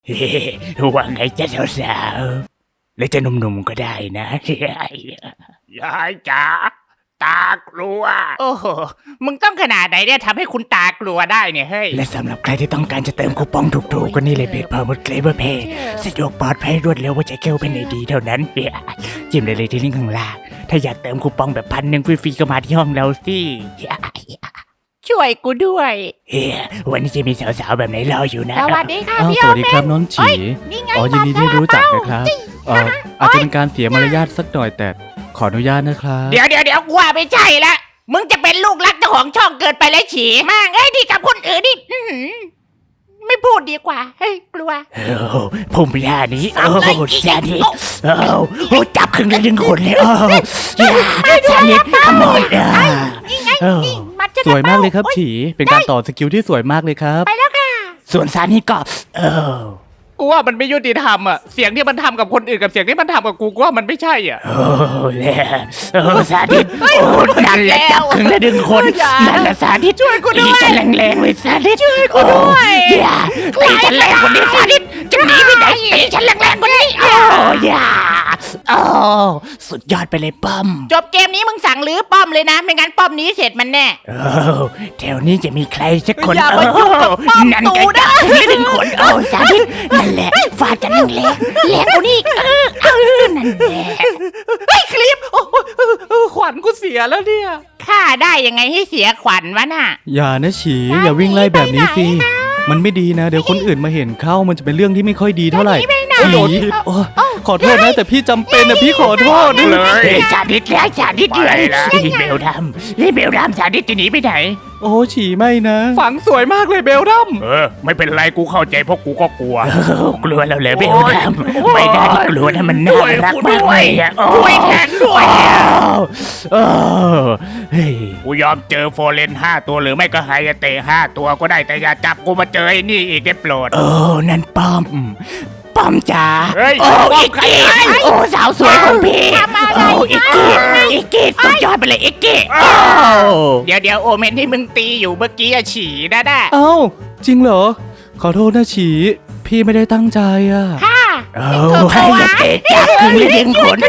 เฮ้ว่าไงจ๊ะสาวๆและจะหนุ่มๆก็ได้นะยายจ๋าตากลัวโอ้โหมึงต้องขนาดไหนเนี่ยทำให้คุณตากลัวได้เนี่ยเฮ้ยและสำหรับใครที่ต้องการจะเติมคูปองถูกๆก็นี่เลยเพจพาวเวอร์เคลเวอร์เพย์สะดวกปลอดภัยรวดเร็วว่าจะเกี่ยวเป็นไอดีเท่านั้นจิ้มได้เลยที่ลิงก์ข้างล่างถ้าอยากเติมคูปองแบบ1,000ฟรีๆก็มาที่ห้องเราสิช่วยกูด้วยวันนี้จะมีสาวๆแบบไหนรออยู่นะสวัสดีค่ะพี่สวัสดีครับน้องฉีอ๋อยินดีที่รู้จักนะครับอาจจะเป็นการเสียมารยาทสักหน่อยแต่ขออนุญาตนะครับเดี๋ยวกูว่าไม่ใช่ละมึงจะเป็นลูกรักเจ้าของช่องเกินไปแล้วฉีมากดีกับคนอื่นนี่ไม่พูดดีกว่าเฮ้ยกลัวผมยานี้ชาดิจับครึ่งละ1 คนเลยชาดิขโมยนี่ไงนี่มัดจะสวยมากเลยครับฉีเป็นการต่อสกิลที่สวยมากเลยครับไปแล้วค่ะส่วนซานี่ก็กูว่ามันไม่ยุติธรรมอ่ะเสียงที่มันทำกับคนอื่นกับเสียงที่มันทำกับกูว่ามันไม่ใช่อ่ะซาดิสนั่นแหละจับครึ่งละ1 คนนั่นแหละซาดิสช่วยกูด้วยจะแรงๆเลยซาดิสช่วยกูด้วยตีฉันแรงกว่านี้ซาดิสจะหนีไปไหนตีฉันแรงๆกว่านี้สุดยอดไปเลยป้อมจบเกมนี้มึงสั่งรื้อป้อมเลยนะไม่งั้นป้อมนี้เสร็จมันแน่แถวนี้จะมีใครสักคนอย่ามายุ่งกับป้อมตูนะ 1 คนซาดิสนั่นแหละฟาดกันแรงกูนี่นั่นแหละคลิปขวัญกูเสียแล้วเนี่ยฆ่าได้ยังไงให้เสียขวัญวะน่ะอย่านะฉีอย่าวิ่งไล่แบบนี้สิมันไม่ดีนะเดี๋ยวคนอื่นมาเห็นเข้ามันจะเป็นเรื่องที่ไม่ค่อยดีเท่าไหร่ฉีขอโทษนะแต่พี่จำเป็นนะพี่ขอโทษเลยชาดิสแล้วชาดิสเลยนี่เบลดำชาดิสจะหนีไปไหนโอ้ฉีไม่นะฝังสวยมากเลยเบลดัมไม่เป็นไรกูเข้าใจเพราะกูก็กลัวกลัวแล้วเลยเบลดัมไม่ได้กลัวนะมันน่ารักมากเลยช่วยแทนด้วยกูยอมเจอโฟเรน5 ตัวหรือไม่ก็ไฮเตะ5 ตัวก็ได้แต่อย่าจับกูมาเจอไอ้นี่อีกได้โปรดนั่นป้อมจ๋าอีกกี้สาวสวยของพี่อีกกี้สุดยอดไปเลยอีกกี้เดี๋ยวโอเมนที่มึงตีอยู่เมื่อกี้ฉี่นะจริงเหรอขอโทษนะฉีพี่ไม่ได้ตั้งใจอ่ะให้เตะจับครึ่งละ1 คน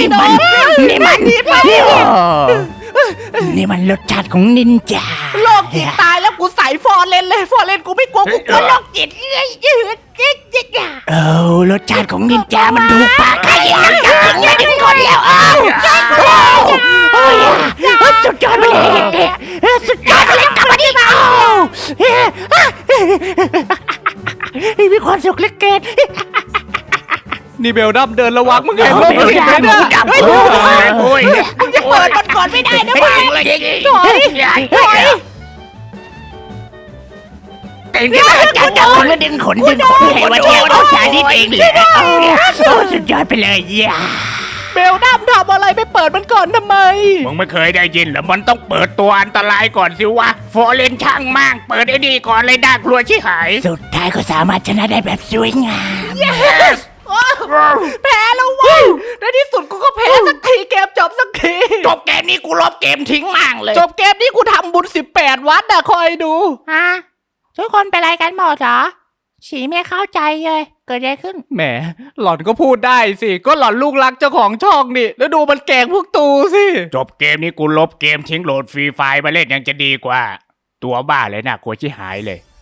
นี่มันรสชาติของนินจาโลกจิตตายแล้วกูใส่ฟอร์เรนเลยฟอร์เรนกูไม่กลัวกูกลัวโลกจิตรสชาติของนินจามันถูกปากใครจับครึ่งละ1 คนแล้วสุดยอดไปเลยสุดยอดไปเลยกลับมาดิมีความสุขเหลือเกินนี่เบลดัมเดินระวังมึงเห็นมั้ยเบลดัมมึงจะเปิดมันก่อนไม่ได้นะมึงถอยแต่นี่มันจับคนละดึงขนให้ว่าเที่ยวเอาชาดิสเองเลยสุดยอดไปเลยเบลดัมทำอะไรไปเปิดมันก่อนทำไมมึงไม่เคยได้ยินหรอมันต้องเปิดตัวอันตรายก่อนสิวะโฟเรนช่างมากเปิดไอ้นี่ก่อนเลยน่ากลัวชิบหายสุดท้ายก็สามารถชนะได้แบบสวยงามแพ้แล้ววะในที่สุดกูก็แพ้สักทีเกมจบสักทีจบเกมนี้กูลบเกมทิ้งมั่งเลยจบเกมนี้กูทำบุญ18 วัดคอยดูทุกคนเป็นไรกันหมดเหรอฉีไม่เข้าใจเลยเกิดอะไรขึ้นแหมหล่อนก็พูดได้สิก็หล่อนลูกรักเจ้าของช่องนี่แล้วดูมันแกล้งพวกตูสิจบเกมนี้กูลบเกมทิ้งโหลดฟรีไฟล์มาเล่นยังจะดีกว่าตัวบ้าเลยนะกลัวชิหายเลย